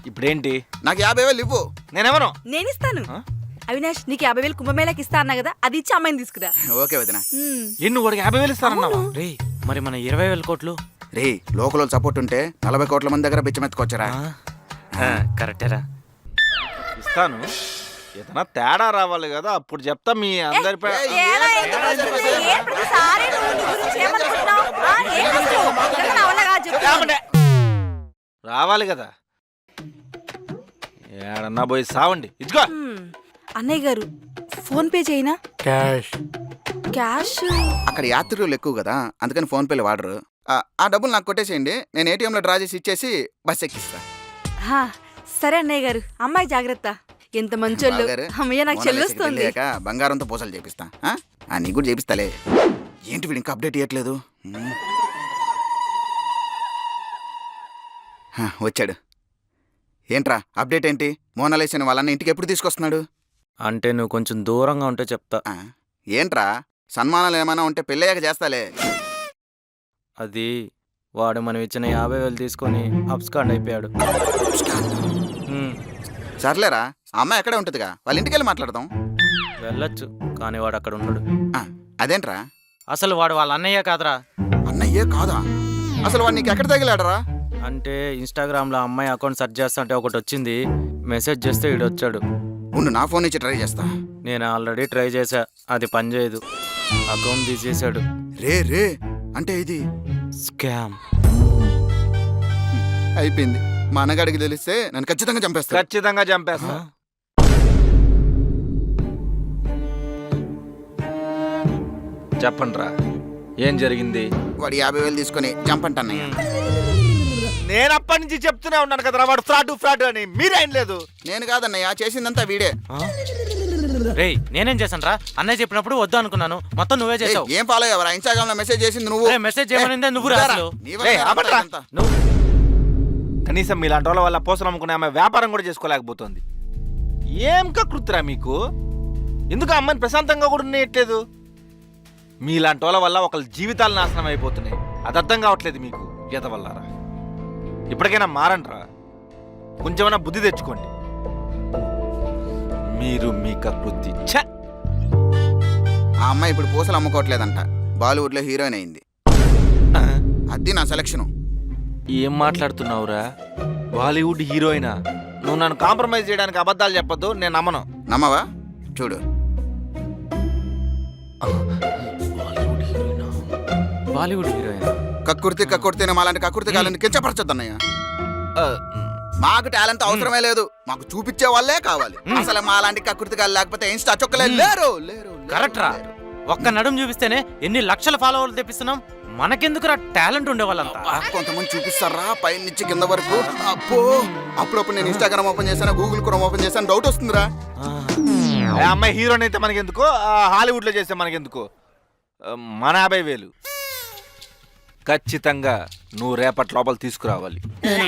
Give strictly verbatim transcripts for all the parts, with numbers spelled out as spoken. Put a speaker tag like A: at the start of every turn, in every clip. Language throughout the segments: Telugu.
A: ఇప్పుడేంటి?
B: నాకు యాభై వేలు ఇవ్వు.
A: నేనేమను
C: నేను ఇస్తాను. అవినాష్ నీకు యాభై వేలు కుంభమేళకి ఇస్తా అన్నా కదా, అది ఇచ్చి అమ్మాయిని తీసుకురా.
B: ఓకే వదినా.
A: ఎన్ను వాడికి యాభై వేలు ఇస్తానన్నావా? రే మరి మన ఇరవై వేల కోట్లు
B: రే లోకల్ సపోర్ట్ ఉంటే నలభై కోట్ల మంది దగ్గర బిచ్చమెత్తుకొచ్చారా?
A: కరెక్టేరా. ఇస్తాను, ఏదైనా తేడా రావాలి కదా, అప్పుడు చెప్తా. మీ అందరి రావాలి కదా, ఏడన్నా పోయి సావండి. ఇదిగో
C: అన్నయ్య గారు ఫోన్ పే చేయనా?
A: క్యాష్
C: క్యాష్
B: అక్కడ యాత్రికులు ఎక్కువ కదా, అందుకని ఫోన్ పేలు వాడరు. ఆ డబ్బులు నాకు కొట్టేసేయండి, నేను ఏటీఎంలో డ్రా చేసి ఇచ్చేసి బస్ ఎక్కిస్తా.
C: సరే అన్నయ్య గారు. అమ్మాయి జాగ్రత్త. ఎంత మంచోళ్ళు. అమ్మయ్య నాకు చెల్లొస్తుంది.
B: బంగారంతో పూసలు చేపిస్తా. నీకు కూడా చేపిస్తాలే. ఏంటి వీడు ఇంకా అప్డేట్ ఇవ్వట్లేదు? వచ్చాడు. ఏంట్రా అప్డేట్ ఏంటి? మోనాలిసా వాళ్ళన్న ఇంటికి ఎప్పుడు తీసుకొస్తున్నాడు?
A: అంటే నువ్వు కొంచెం దూరంగా ఉంటే చెప్తా.
B: ఏంట్రా సన్మానాలు ఏమైనా ఉంటే పెళ్ళయ్యాక చేస్తాలే.
A: అది వాడు మనం ఇచ్చిన యాభై వేలు తీసుకొని అబ్స్కాండ్ అయిపోయాడు.
B: సర్లేరా, అమ్మాయి ఎక్కడే ఉంటుందిగా, వాళ్ళ ఇంటికి వెళ్ళి మాట్లాడదాం.
A: వెళ్ళొచ్చు, కానీ వాడు అక్కడ ఉన్నాడు.
B: అదేంట్రా?
A: అసలు వాడు వాళ్ళ అన్నయ్య కాదురా.
B: అన్నయ్యే కాదా? అసలు వాడు నీకు ఎక్కడ తగిలాడరా?
A: అంటే ఇన్స్టాగ్రామ్ లో అమ్మాయి అకౌంట్ సెర్చ్ చేస్తుంటే ఒకటి వచ్చింది, మెసేజ్ చేస్తే వీడు వచ్చాడు.
B: ఉండు నా ఫోన్ నుంచి ట్రై చేస్తా.
A: నేను ఆల్రెడీ ట్రై చేశా, అది పనిచేయదు. అకౌంట్ తీసేశాడు.
B: రే రే అంటే ఇది
A: స్కామ్
B: అయిపోయింది. మా అన్నగాడికి తెలిస్తే నన్ను ఖచ్చితంగా చంపేస్తా.
A: ఖచ్చితంగా చంపేస్తా. చెప్పండి రా, ఏం జరిగింది?
B: వాడు యాభై వేలు తీసుకొని చంపంట అన్నయ్య.
A: నేను అప్పటి నుంచి చెప్తూనే ఉన్నాను కదరా, వాడు ఫ్రాడ్ ఫ్రాడ్ అని. మీరేం లేదు.
B: నేను కాదన్నయ్య, చేసిందంతా వీడే.
A: రే నేనేం చేశాను రా? అన్నయ్య చెప్పినప్పుడు వద్దు అనుకున్నాను, మొత్తం నువ్వే చేసావు.
B: ఏం ఫాలో అయ్యావరా? ఇన్స్టాగ్రామ్ లో మెసేజ్ చేసింది నువ్వు.
A: మెసేజ్ చేయమనిందే నువ్వు రాదు. కనీసం మీలాంటి వాళ్ళ వల్ల పోసలు అమ్ముకునే ఆమె వ్యాపారం కూడా చేసుకోలేకపోతుంది. ఏం కకృతిరా మీకు? ఎందుకు అమ్మాయిని ప్రశాంతంగా కూడా ఉండేయట్లేదు? మీలాంటి వాళ్ళ వల్ల ఒకళ్ళ జీవితాలు నాశనం అయిపోతున్నాయి. అది అర్థం కావట్లేదు మీకు. ఈత వల్లరా, ఇప్పటికైనా మారండిరా, కొంచెమైనా బుద్ధి తెచ్చుకోండి. మీరు మీ కకృతి.
B: ఆ అమ్మాయి ఇప్పుడు పూసలు అమ్ముకోవట్లేదంట, బాలీవుడ్ లో హీరోయిన్ అయింది. అది నా సెలక్షన్.
A: ఏం మాట్లాడుతున్నావురా? బాలీవుడ్ హీరోయినా? నువ్వు నన్ను కాంప్రమైజ్ చేయడానికి అబద్ధాలు చెప్పొద్దు, నేను నమ్మను.
B: నమ్మవా? చూడు.
A: బాలీవుడ్ హీరోయిన్
B: కక్కుర్తి కక్కుర్తి మాలాంటి కక్కుర్తి కాలని కించపరచొద్దు అన్నయ్య. మాకు టాలెంట్ అవసరమే లేదు, మాకు చూపించే వాళ్ళే కావాలి. అసలు మాలాంటి కక్కుర్తి కాలు లేకపోతే ఇన్స్టా చొక్కలే లేరు.
A: కరెక్ట్ రా, ఒక్క నడుం చూపిస్తేనే ఎన్ని లక్షల ఫాలోవర్లు తెప్పిస్తున్నాం. మనకెందుకు రా టాలెంట్ ఉండే వాళ్ళంతా?
B: కొంతమంది చూపిస్తారా పై నుంచి కింద వరకు. అప్పో అప్పుడప్పుడు నేను ఇన్స్టాగ్రామ్ ఓపెన్ చేశాను, గూగుల్ క్రోమ్ ఓపెన్ చేశాను, డౌట్ వస్తుందిరా.
A: అమ్మాయి హీరోయిన్ అయితే మనకెందుకు, హాలీవుడ్ లో చేస్తే మనకెందుకు? మన యాభై వేలు ఖచ్చితంగా నువ్వు రేపటి లోపల తీసుకురావాలి.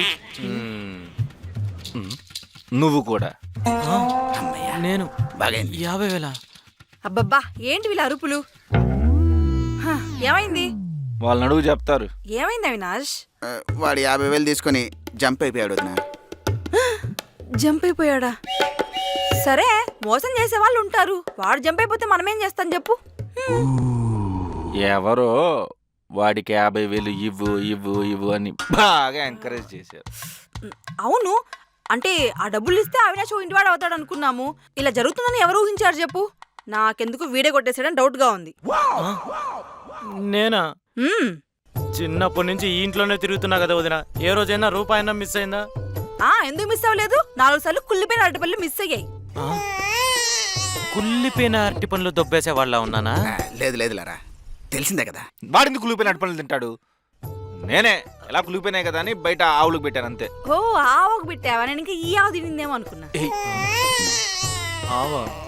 A: నువ్వు కూడా. నేను యాభై వేల
C: అబ్బబ్బా ఏంటి వీళ్ళ అరుపులు? ఏమైంది?
A: వాళ్ళని అడుగు చెప్తారు.
C: ఏమైంది అవినాష్?
B: వాడు యాభై వేలు తీసుకొని జంప్ అయిపోయాడు.
C: జంప్ అయిపోయాడా? సరే మోసం చేసే వాళ్ళు ఉంటారు, వాడు జంప్ అయిపోతే మనమేం చేస్తాం చెప్పు?
A: ఎవరో వాడికి యాభై వేలు ఇవ్వు ఇవ్వు ఇవ్వు అని బాగా ఎంకరేజ్ చేశారు.
C: అవును, అంటే ఆ డబ్బులు ఇస్తే అవినాష్ ఇంటివాడు అవుతాడు అనుకున్నాము. ఇలా జరుగుతుందని ఎవరు ఊహించారు చెప్పు? నాకెందుకు వీడే కొట్టేసాడని డౌట్ గా ఉంది.
A: నేనా? చిన్నప్పటి నుంచి ఈ ఇంట్లోనే తిరుగుతున్నా కదా వదిన, ఏ రోజైనా రూపాయన్నా మిస్ అయిందా?
C: ఆ ఎందుకు మిస్ అవ్వలేదు? నాలుగు సార్లు కుళ్ళిపోయిన అరటిపళ్ళు మిస్ అయ్యాయి.
A: కుళ్ళిపోయిన అరటి పనులు దొబ్బేసే వాళ్ళ ఉన్నానా?
B: లేదు లేదు లేరా, తెలిసిందే కదా.
A: వాడింది కుళ్ళిపోయిన అరటి పనులు తింటాడు. నేనే ఎలా కుళ్ళిపోయినాయి కదా అని బయట ఆవులకు పెట్టాను అంతే.
C: ఓ ఆవుకు పెట్టావా? నేను ఇంకా ఈ ఆవు తినిందేమో అనుకున్నా.
A: ఆవా